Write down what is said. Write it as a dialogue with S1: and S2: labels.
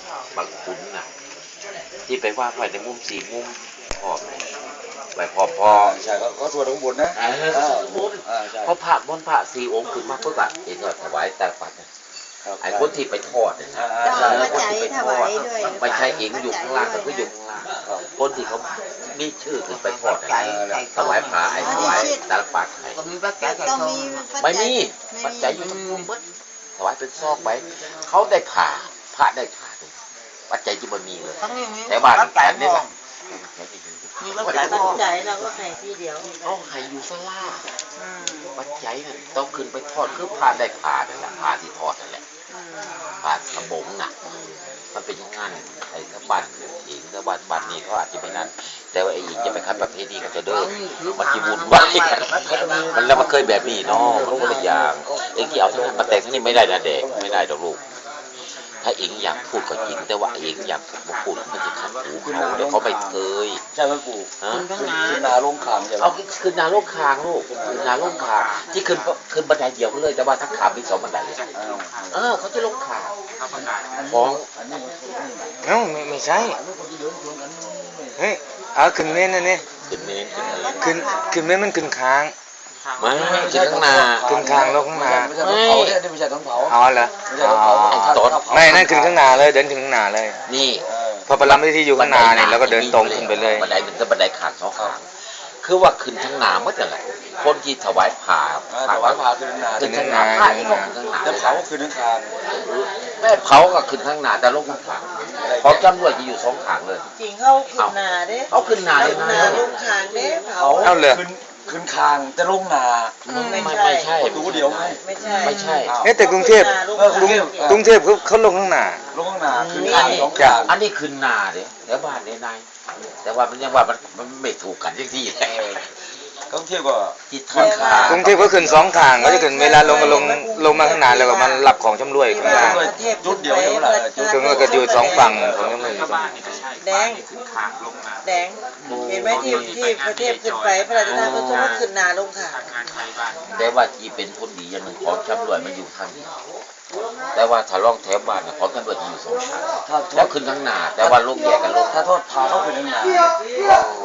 S1: บางขุนน่ะที่ไปว่าไว้ในมุมสี่มุมพอไปพอ
S2: ใช่เขาสวดข้างบนนะ
S1: เพราะพระมนต์พระสี่องค์ขึ้นมาเพื่อแบบเองก็ถวายแต่ปัดไอ้คนที่ไปทอดเนี่ยคนที่ไปทอดไม่ใช่เองอยู่ข้างล่างแต่ก็อยู่ข้างล่างคนที่เขามีชื่อถึงไปทอดถวายพระไอ้ถวายตาลปัดไอ้ไม่มีปัจจัยอยู่ทั้งมุมมัดถวายเป็นซอกไว้เขาได้ผ่าพระได้ผ่าปัจจัยที่มันมีเลยแต่บ้านแต่นี่แหละ
S3: มีปัจจัยเราก็ให้ที่เดียว
S1: เขาให้อยู่สลาปัจจัยนั่นต้องขึ้นไปทอดคือผ่าได้ผ่านั่นแหละผ่าที่ทอดนั่นแหละผ่าสมงน่ะมันเป็นอย่างนั้นไอ้ถ้าบันเองถ้าบันนี่เขาอาจจะไม่นั้นแต่ว่าไอ้หญิงจะไปคัดประเภทนี้ก็จะเดินมันจีวุ่นวายมันแล้วมันเคยแบบนี้เนาะมันก็เลยอย่างไอ้ที่เอาที่นั่นมาแต่งที่นี่ไม่ได้นะเด็กไม่ได้ดอกลูกถ้าเองอยากพูดก็จริงแต่ว่าเองอยากพูดมันจะขัดหูเขาเดี๋ยวเขาไม่เคย
S2: ใช่ไหมปู่ขึ้นนาลงขางใช่ไหม
S1: เอาขึ้นนาลงคางลูกขึ้นนาลงคางที่ขึ้นบันไดเดียวเลยแต่ว่าทั้งขามี2บันไดเขาจะลงคางของ
S4: ไม่ใช่เฮ้ยเอาขึ้นเมนนั่นนี่
S1: ขึ้นเมน
S4: ขึ้นเมนมันขึ้นค้าง
S1: ไม่ขึ้นข้างหน้า
S4: ขึ้นค้างลงข้างหน้า
S2: ไม่ใช่ต้องเผา
S4: อ๋อเหรอไม่นั่นขึ้นข้างหน้าเลยเดินขึ้นข้างหน้าเลย
S1: นี่
S4: พอประลัมที่อยู่ข้างหน้านี่แล้วก็เดินตรงขึ้นไปเลย
S1: บันไดมันจะบันไดขาด2ข้างคือว่าขึ้นข้างหน้าเมื่อไหร่คนที่ถวายผ่า
S2: ขึ้นข้างหน้า
S1: ผ่าที่ก็ขึ้นข้างหน้า
S2: แต่เผาขึ้นข้างข้าง
S1: แม่เผาก็ขึ้นข้างหน้าแต่ลงข้างข้างเพราะจำรวจจะอยู่2ข้างเลย
S3: จริงเขาขึ้นหน้าเด้
S1: เขาขึ้นหน้าเลย
S3: นะลงคางเด้เผา
S4: เอาเลย
S2: ขึ้นคางจะลงนา
S1: ไม่ใช่
S2: ดูเดียว
S3: ไม่ใช่
S4: แต่กรุงเทพเขาลงข้างหน้า
S2: ลงข้างหน้าขึ้นคาง2
S1: ข้างอันนี้ขึ้นหน้าเด้แล้วบ้านในในแต่ว่ามันยังว่ามันไม่ถูกกันที่
S2: กรุงเทพก็
S1: ที่ทอนขาก
S4: รุงเทพก็ขึ้น2ข้างก็จะขึ้นเวลาลงมาข้างหน้าแล้วก็มันรับของชำร่วยข้างล่าง
S2: จุดเดียวเท่าไหร่
S4: คือมันก็อยู่2ฝั่งของชำร่วย
S3: แดงเห็นไหมที่ประเทศขึ้นไปพระราชทานพระสงฆ์ขึ้นหน้าลงค่ะ
S1: แต่ว่าที่เป็นคนดีอย่างหนึ่งของชำร่วยมันอยู่ทางนี้แต่ว่าถ้าล่องแถวบ้านเนี่ยของตำรวจอยู่2ทางแล้วขึ้นข้างหน้าแต่ว่าลูกแยกกันลูก
S2: ถ้าโทษพาเขาขึ้นข้างหน้า